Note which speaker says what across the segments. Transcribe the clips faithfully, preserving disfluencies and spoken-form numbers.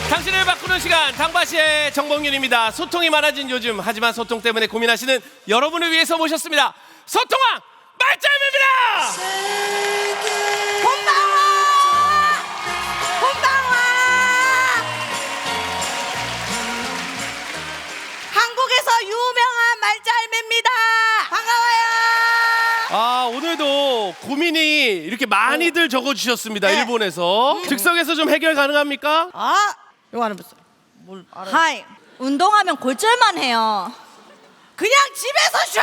Speaker 1: 당신을 바꾸는 시간 당바시의 정봉윤입니다. 소통이 많아진 요즘 하지만 소통 때문에 고민하시는 여러분을 위해서 모셨습니다. 소통왕 말짱입니다.
Speaker 2: 곤방와 곤방와 한국에서 유명한 말짤매입니다. 반가워요.
Speaker 1: 아, 오늘도 고민이 이렇게 많이들 적어주셨습니다.
Speaker 2: 네.
Speaker 1: 일본에서 즉석에서 좀 해결 가능합니까?
Speaker 2: 아 이거 하는 무슨 뭘 알아?
Speaker 3: 하이, 운동하면 골절만 해요.
Speaker 2: 그냥 집에서 쉬어.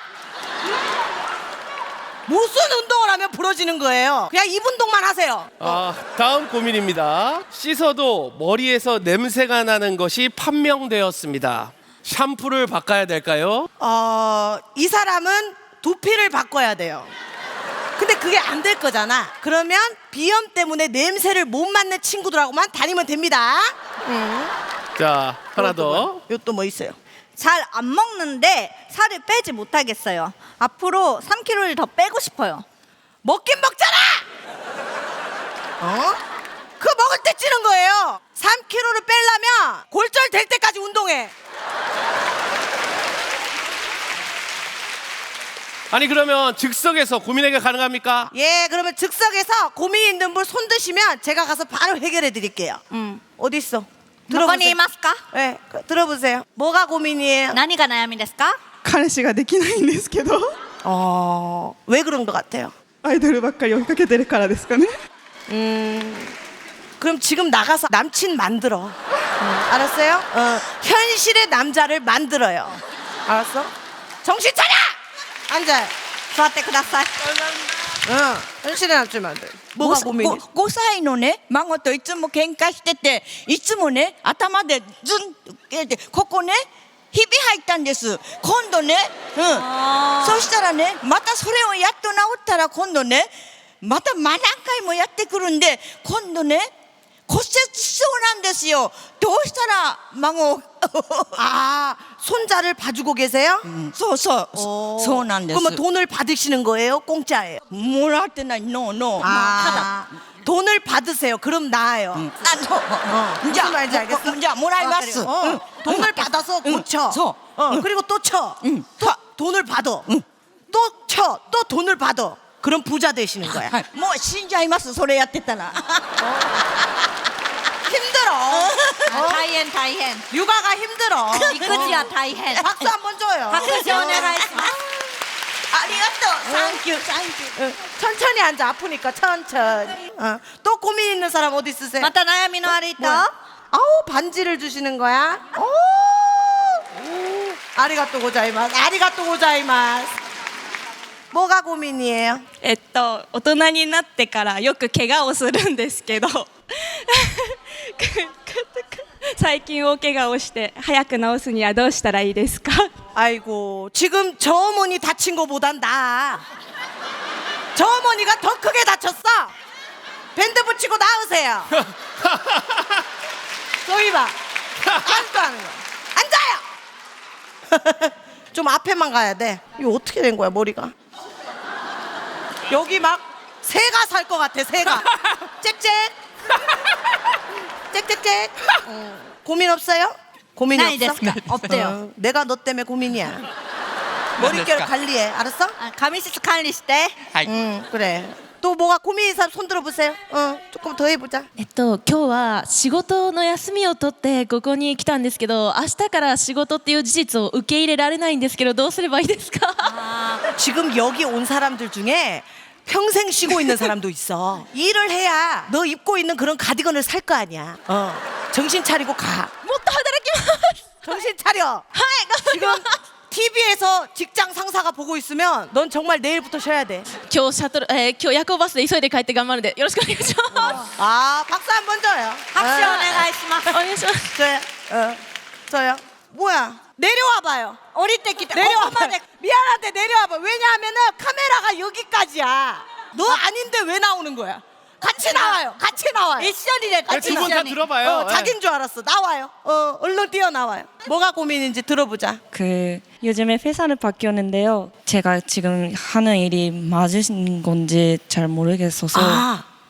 Speaker 2: 무슨 운동을 하면 부러지는 거예요? 그냥 입 운동만 하세요.
Speaker 1: 아, 다음 고민입니다. 씻어도 머리에서 냄새가 나는 것이 판명되었습니다. 샴푸를 바꿔야 될까요?
Speaker 2: 어, 이 사람은 두피를 바꿔야 돼요. 근데 그게 안 될 거잖아. 그러면 비염 때문에 냄새를 못 맡는 친구들하고만 다니면 됩니다. 음.
Speaker 1: 자, 하나 더.
Speaker 2: 이것도 뭐 있어요?
Speaker 3: 잘 안 먹는데 살을 빼지 못하겠어요. 앞으로 삼 킬로그램을 더 빼고 싶어요.
Speaker 2: 먹긴 먹잖아. 어? 그 먹을 때 찌는 거예요. 삼 킬로그램을 빼려면 골절 될 때까지 운동해.
Speaker 1: 아니, 그러면 즉석에서 고민 해결 가능합니까?
Speaker 2: 예, 그러면 즉석에서 고민 있는 분 손 드시면 제가 가서 바로 해결해 드릴게요. 음, 어디 있어?
Speaker 3: どこにいますか?
Speaker 2: 네, 그, 들어보세요. 뭐가 고민이에요?
Speaker 3: 何が悩みですか?
Speaker 4: 彼氏ができないんですけど
Speaker 2: 어, 왜 그런 것 같아요?
Speaker 4: アイドルばっかり追いかけてるからですかね
Speaker 2: 음, 그럼 지금 나가서 남친 만들어. 음, 알았어요? 어, 현실의 남자를 만들어요. 알았어? 정신 차려! 앉아.
Speaker 3: 座ってください.
Speaker 2: 응, 현실의 남친 만들어. 뭐가 고민이?
Speaker 5: ごさいのね孫といつも喧嘩してていつもね頭でズンと切れてここねひび入ったんです今度ね、うん、そしたらねまたそれをやっと治ったら今度ねまた何回もやってくるんで今度ね骨折しそうなんですよどうしたら孫を
Speaker 2: 아, 손자를 봐주고 계세요?
Speaker 5: そうそう
Speaker 2: 어.
Speaker 5: そうなんです
Speaker 2: 그러면 돈을 받으시는 거예요? 공짜예요?
Speaker 5: もらってないノーノー
Speaker 2: 아, 돈을 받으세요. 그럼 나아요.
Speaker 5: あの
Speaker 2: 어,
Speaker 5: じゃ
Speaker 2: 무슨 말인지 알겠어?
Speaker 5: あじゃあもらいま
Speaker 2: 아,
Speaker 5: す
Speaker 2: 그래요? 어, 돈을 받아서
Speaker 5: 응,
Speaker 2: 고쳐.
Speaker 5: 서.
Speaker 2: 어, 그리고 또 쳐.
Speaker 5: 응.
Speaker 2: 또 돈을 받아. 또 쳐. 또 돈을 받아. 그럼 부자 되시는 거야.
Speaker 5: はいもう死んじゃいますそれやってたら
Speaker 2: 힘들어. 어?
Speaker 3: 大変大変.
Speaker 2: 육아가 힘들어.
Speaker 3: 育児は大変.
Speaker 2: 박수 한번 줘요.
Speaker 3: 拍手お願いします.
Speaker 5: ありがとうサンキューサンキュー
Speaker 2: 응, 천천히 앉아. 아프니까 천천히. 어. 또 고민 있는 사람 어디 있으세요?
Speaker 3: また悩みのある人?
Speaker 2: 뭐야? 아우, 반지를 주시는 거야? 오, 오. 아리가또 고자이마스. 아리가또 고자이마스. 뭐가 고민이에요?
Speaker 6: えっと大人になってからよく怪我をするんですけど最近大怪我をして早く治すにはどうしたらいいですか
Speaker 2: 아이고, 지금 저 어머니 다친 거보단 나아. 저 어머니가 더 크게 다쳤어. 밴드 붙이고 나으세요. 저기 봐. 아직도 하는 거. 앉아요. 좀 앞에만 가야 돼. 이거 어떻게 된 거야, 머리가? 여기 막 새가 살 것 같아, 새가. 짹짹. 짹짹짹. 어, 고민 없어요? 고민이
Speaker 3: 나이
Speaker 2: 없어?
Speaker 3: 됐을까? 없대요.
Speaker 2: 어, 내가 너 때문에 고민이야. 머릿결 관리해, 알았어?
Speaker 3: あ髪質管理して.
Speaker 2: 응, 그래. 또 뭐가 고민인 사람 손 들어보세요. 어, 조금 더 해보자.
Speaker 7: えっと、今日は仕事の休みを取ってここに来たんですけど、明日から仕事っていう事実を受け入れられないんですけど、どうすればいいですか？
Speaker 2: 지금 여기 온 사람들 중에 평생 쉬고 있는 사람도 있어. 일을 해야 너 입고 있는 그런 가디건을 살 거 아니야. 어, 정신 차리고 가.
Speaker 7: もっと働きます。
Speaker 2: 정신 차려.
Speaker 7: はい、頑張り
Speaker 2: 지금
Speaker 7: ます。
Speaker 2: 티비에서 직장 상사가 보고 있으면 넌 정말 내일부터 쉬어야 돼.
Speaker 7: 今日シャトル、えー、今日夜行バスで急いで帰って頑張るんでよろしくお願いします。
Speaker 2: 아, 박수 한번 줘요.
Speaker 3: 拍手お
Speaker 2: 어,
Speaker 3: 願いします.
Speaker 7: お願いします。
Speaker 2: 저요. 어, 저요. 뭐야? 내려와 봐요.
Speaker 3: 降りてきて
Speaker 2: 내려와
Speaker 3: ここまで
Speaker 2: 미안한데 내려와 봐. 왜냐하면은 카메라가 여기까지야. 너 아닌데 왜 나오는 거야? 같이 나와요. 같이 나와요.
Speaker 3: 미션이래.
Speaker 2: 같이
Speaker 1: 두 분 다
Speaker 2: 나와요.
Speaker 1: 들어봐요.
Speaker 2: 어,
Speaker 1: 예.
Speaker 2: 자긴 줄 알았어. 나와요. 어, 얼른 뛰어나와요. 뭐가 고민인지 들어보자.
Speaker 6: 그 요즘에 회사를 바뀌었는데요 제가 지금 하는 일이 맞은 건지 잘 모르겠어서
Speaker 2: 아,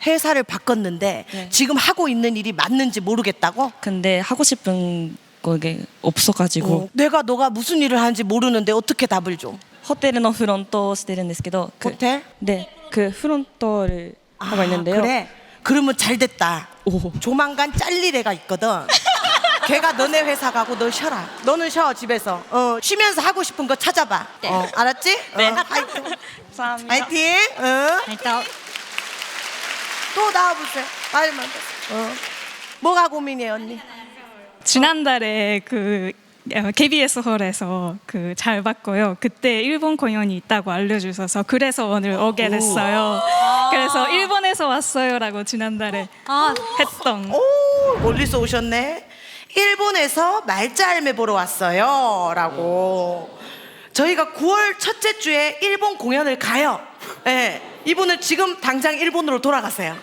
Speaker 2: 회사를 바꿨는데
Speaker 8: 네.
Speaker 2: 지금 하고 있는 일이 맞는지 모르겠다고?
Speaker 8: 근데 하고 싶은 거게 없어가지고
Speaker 2: 어, 내가 너가 무슨 일을 하는지 모르는데 어떻게 답을 줘?
Speaker 8: ホテルのフロントをしてるんですけど、그
Speaker 2: 호텔?
Speaker 8: 네, 그 프론트를 하고 있는데요.
Speaker 2: 그래? 그러면 잘 됐다.
Speaker 8: 오.
Speaker 2: 조만간 잘릴 애가 있거든. 걔가 너네 회사 가고 너 쉬어라. 너는 쉬어 집에서. 어, 쉬면서 하고 싶은 거 찾아봐.
Speaker 3: 네.
Speaker 2: 어, 알았지?
Speaker 3: 네.
Speaker 2: 어, 화이팅.
Speaker 8: 감사합니다.
Speaker 2: 화이팅. 어.
Speaker 3: 일단
Speaker 2: 또 나와보세요. 말만. 어. 뭐가 고민이에요 언니?
Speaker 6: 지난달에 그 케이비에스 홀에서 그 잘 봤고요. 그때 일본 공연이 있다고 알려주셔서 그래서 오늘 오게 됐어요. 그래서 일본에서 왔어요라고 지난달에
Speaker 3: 아,
Speaker 6: 했던.
Speaker 2: 오 멀리서 오셨네. 일본에서 말짤매 보러 왔어요 라고. 저희가 구월 첫째 주에 일본 공연을 가요. 네, 이분은 지금 당장 일본으로 돌아가세요.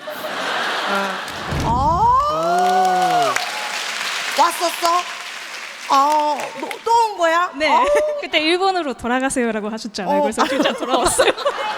Speaker 2: 어. 아 왔었어? 어, 또 온 거야?
Speaker 6: 네.
Speaker 2: 어.
Speaker 6: 그때 일본으로 돌아가세요라고 하셨잖아요.
Speaker 2: 어.
Speaker 6: 그래서 진짜 돌아왔어요.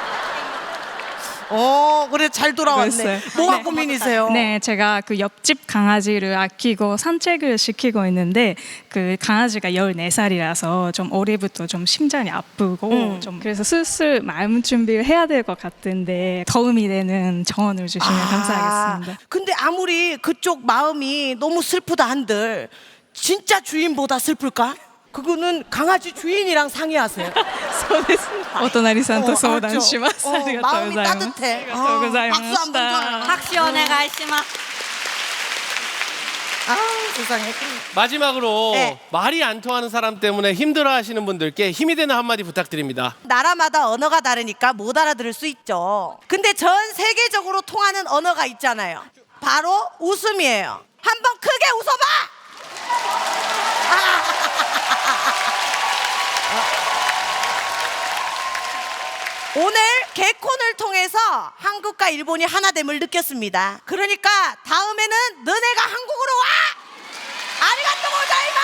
Speaker 2: 어, 그래 잘 돌아왔네.
Speaker 6: 그랬어요.
Speaker 2: 뭐가
Speaker 6: 네.
Speaker 2: 고민이세요?
Speaker 6: 네, 제가 그 옆집 강아지를 아끼고 산책을 시키고 있는데 그 강아지가 열네 살이라서 좀 올해부터 좀 심장이 아프고
Speaker 2: 음.
Speaker 6: 좀 그래서 슬슬 마음 준비를 해야 될 것 같은데 도움이 되는 조언을 주시면 감사하겠습니다.
Speaker 2: 근데 아무리 그쪽 마음이 너무 슬프다 한들 진짜 주인보다 슬플까? 그거는 강아지 주인이랑 상의하세요.
Speaker 6: そうです。お隣さんと相談しま
Speaker 2: 알았죠?
Speaker 6: す。
Speaker 2: 어,
Speaker 6: ありがとうご
Speaker 2: 마음이
Speaker 6: ざいます。
Speaker 2: 따뜻해.
Speaker 6: ありがとうございま
Speaker 2: 어, 박수
Speaker 6: し
Speaker 2: 한번
Speaker 6: た。
Speaker 2: 줘요.
Speaker 3: 박수 오네가이시마스.
Speaker 2: 아, 세상에.
Speaker 1: 마지막으로
Speaker 2: 네.
Speaker 1: 말이 안 통하는 사람 때문에 힘들어하시는 분들께 힘이 되는 한마디 부탁드립니다.
Speaker 2: 나라마다 언어가 다르니까 못 알아들을 수 있죠. 근데 전 세계적으로 통하는 언어가 있잖아요. 바로 웃음이에요. 한번 크게 웃어봐. 오늘 개콘을 통해서 한국과 일본이 하나됨을 느꼈습니다. 그러니까 다음에는 너네가 한국으로 와! 아리가또 고자이마스!